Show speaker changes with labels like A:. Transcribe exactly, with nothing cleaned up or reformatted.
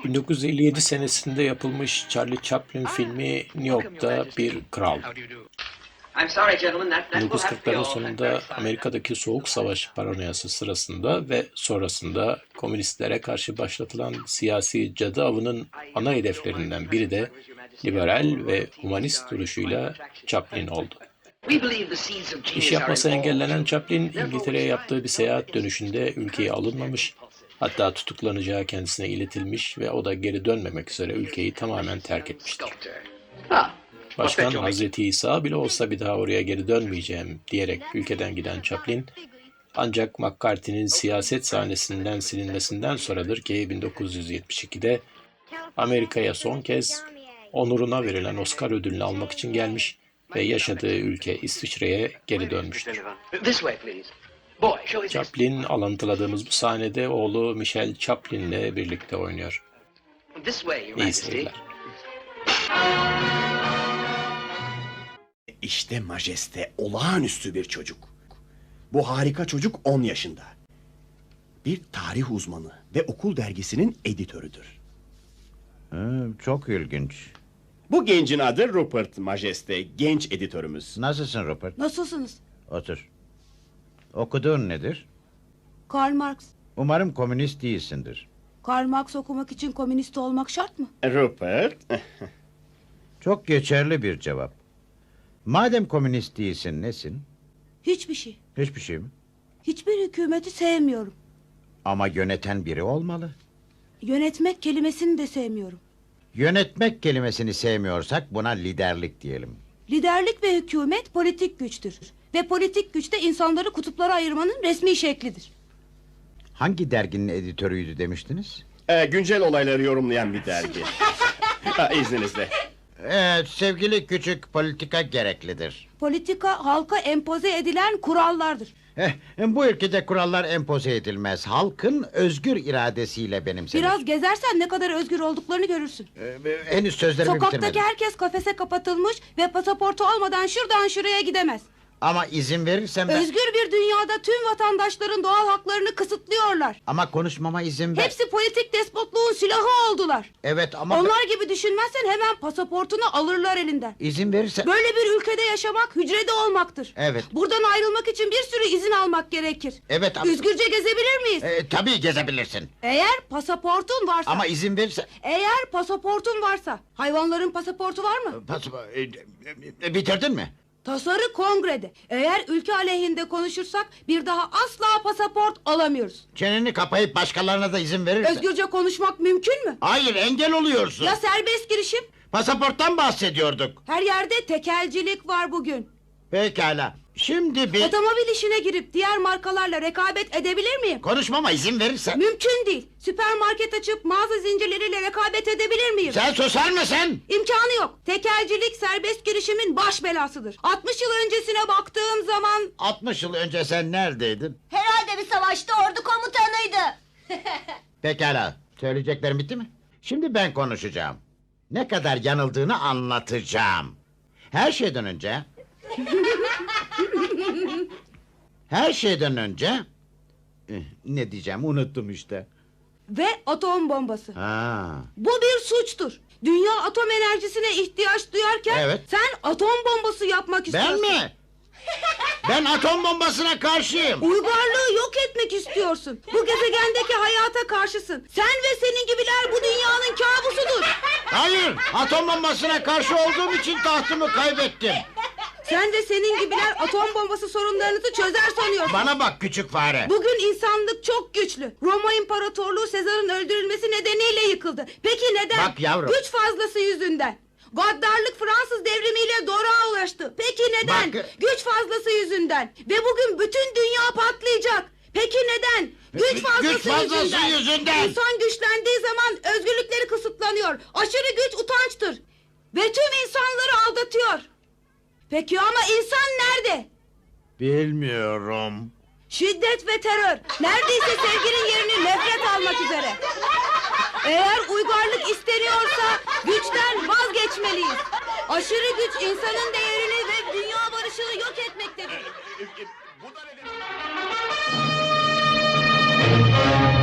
A: bin dokuz yüz elli yedi senesinde yapılmış Charlie Chaplin filmi New York'ta bir kral. bin dokuz yüz kırkların sonunda Amerika'daki Soğuk Savaş paranoyası sırasında ve sonrasında komünistlere karşı başlatılan siyasi cadı avının ana hedeflerinden biri de liberal ve humanist duruşuyla Chaplin oldu. İş yapması engellenen Chaplin, İngiltere'ye yaptığı bir seyahat dönüşünde ülkeye alınmamış, hatta tutuklanacağı kendisine iletilmiş ve o da geri dönmemek üzere ülkeyi tamamen terk etmiştir. Başkan Hazreti İsa bile olsa bir daha oraya geri dönmeyeceğim diyerek ülkeden giden Chaplin, ancak McCarthy'nin siyaset sahnesinden silinmesinden sonradır ki bin dokuz yüz yetmiş ikide Amerika'ya son kez onuruna verilen Oscar ödülünü almak için gelmiş ve yaşadığı ülke İsviçre'ye geri dönmüştür. Chaplin, alıntıladığımız bu sahnede oğlu Michael Chaplin'le birlikte oynuyor. İyi seyirler.
B: İşte Majeste olağanüstü bir çocuk. Bu harika çocuk on yaşında. Bir tarih uzmanı ve okul dergisinin editörüdür.
C: Ha, çok ilginç.
B: Bu gencin adı Rupert Majeste, genç editörümüz.
C: Nasılsın Rupert?
D: Nasılsınız?
C: Otur. Okuduğun nedir?
D: Karl Marx.
C: Umarım komünist değilsindir.
D: Karl Marx okumak için komünist olmak şart mı?
B: Rupert,
C: Çok geçerli bir cevap. Madem komünist değilsin, nesin?
D: Hiçbir şey.
C: Hiçbir şey mi?
D: Hiçbir hükümeti sevmiyorum.
C: Ama yöneten biri olmalı.
D: Yönetmek kelimesini de sevmiyorum.
C: Yönetmek kelimesini sevmiyorsak buna liderlik diyelim.
D: Liderlik ve hükümet politik güçtür. Ve politik güç de insanları kutuplara ayırmanın resmi şeklidir.
C: Hangi derginin editörüydü demiştiniz?
B: e, güncel olayları yorumlayan bir dergi. ha, izninizle.
C: Evet, sevgili küçük, politika gereklidir.
D: Politika halka empoze edilen kurallardır.
C: Eh, bu ülkede kurallar empoze edilmez. Halkın özgür iradesiyle benimsenir.
D: Biraz gezersen ne kadar özgür olduklarını görürsün.
C: Ee, henüz sözlerimi
D: Sokaktaki
C: bitirmedim.
D: herkes kafese kapatılmış ve pasaportu olmadan şuradan şuraya gidemez.
C: Ama izin verirsem ben...
D: Özgür bir dünyada tüm vatandaşların doğal haklarını kısıtlıyorlar.
C: Ama konuşmama izin ver.
D: Hepsi politik despotluğun silahı oldular.
C: Evet ama...
D: Onlar gibi düşünmezsen hemen pasaportunu alırlar elinden.
C: İzin verirsen...
D: Böyle bir ülkede yaşamak hücrede olmaktır.
C: Evet.
D: Buradan ayrılmak için bir sürü izin almak gerekir.
C: Evet ama...
D: Özgürce gezebilir miyiz?
C: Ee, tabii gezebilirsin.
D: Eğer pasaportun varsa.
C: Ama izin verirsen...
D: Eğer pasaportun varsa. Hayvanların pasaportu var mı?
C: Pas... e, e, bitirdin mi?
D: Tasarı kongrede. Eğer ülke aleyhinde konuşursak bir daha asla pasaport alamıyoruz.
C: Çeneni kapayıp başkalarına da izin verirsen...
D: Özgürce konuşmak mümkün mü?
C: Hayır, engel oluyorsun.
D: Ya serbest girişim?
C: Pasaporttan bahsediyorduk.
D: Her yerde tekelcilik var bugün.
C: Pekala. Şimdi bir...
D: Otomobil işine girip diğer markalarla rekabet edebilir miyim?
C: Konuşmama izin verirsen...
D: Mümkün değil. Süpermarket açıp mağaza zincirleriyle rekabet edebilir miyim?
C: Sen susar mısın?
D: İmkanı yok. Tekelcilik serbest girişimin baş belasıdır. altmış yıl öncesine baktığım zaman...
C: altmış yıl önce sen neredeydin?
E: Herhalde bir savaşta ordu komutanıydı.
C: Pekala. Söyleyeceklerim bitti mi? Şimdi ben konuşacağım. Ne kadar yanıldığını anlatacağım. Her şeyden önce... Her şeyden önce... Eh, Ne diyeceğim unuttum işte.
D: Ve atom bombası.
C: Ha.
D: Bu bir suçtur. Dünya atom enerjisine ihtiyaç duyarken...
C: Evet.
D: Sen atom bombası yapmak istiyorsun.
C: Ben mi? Ben atom bombasına karşıyım.
D: Uygarlığı yok etmek istiyorsun. Bu gezegendeki hayata karşısın. Sen ve senin gibiler bu dünyanın kabusudur.
C: Hayır, atom bombasına karşı olduğum için tahtımı kaybettim.
D: Sen ve senin gibiler atom bombası sorunlarınızı çözer sanıyorsun.
C: Bana bak küçük fare.
D: Bugün insanlık çok güçlü. Roma İmparatorluğu Sezar'ın öldürülmesi nedeniyle yıkıldı. Peki neden?
C: Bak yavrum.
D: Güç fazlası yüzünden. Gaddarlık Fransız devrimiyle Doruk'a ulaştı. Peki neden?
C: Bak-
D: Güç fazlası yüzünden. Ve bugün bütün dünya patlayacak. Peki neden? Güç fazlası,
C: Güç fazlası
D: yüzünden.
C: yüzünden.
D: İnsan güçlendiği zaman özgürlükleri kısıtlanıyor. Aşırı güç utançtır. Ve tüm insanları aldatıyor. Peki ama insan nerede?
C: Bilmiyorum.
D: Şiddet ve terör. Neredeyse sevginin yerini nefret almak üzere. Eğer uygarlık isteniyorsa güçten vazgeçmeliyiz. Aşırı güç insanın değerini ve dünya barışını yok etmektedir.
B: Bu da ne demek?